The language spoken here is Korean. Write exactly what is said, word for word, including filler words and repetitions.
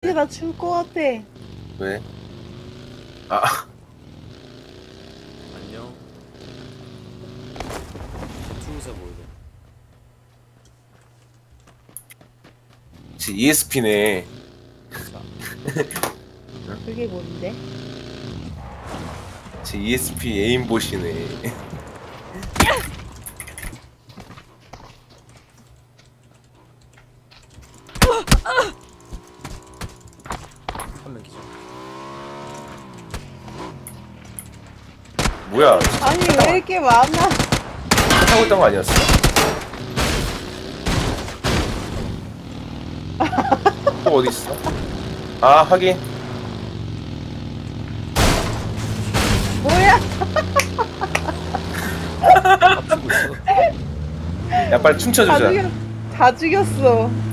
이제 나 죽을 것 같아. 왜? 아, 안녕. 투우사 보이네. 제 이에스피네. 그게 뭔데? 제 이에스피 에임봇이네. 한 명 기절. 뭐야? 아니 왜 이렇게 많아? 타고 있던 거 아니었어? 또 어디 있어? 아, 하긴. 뭐야? 앞주고 있어. 야, 빨리 다 춤춰주자. 죽였, 다 죽였어.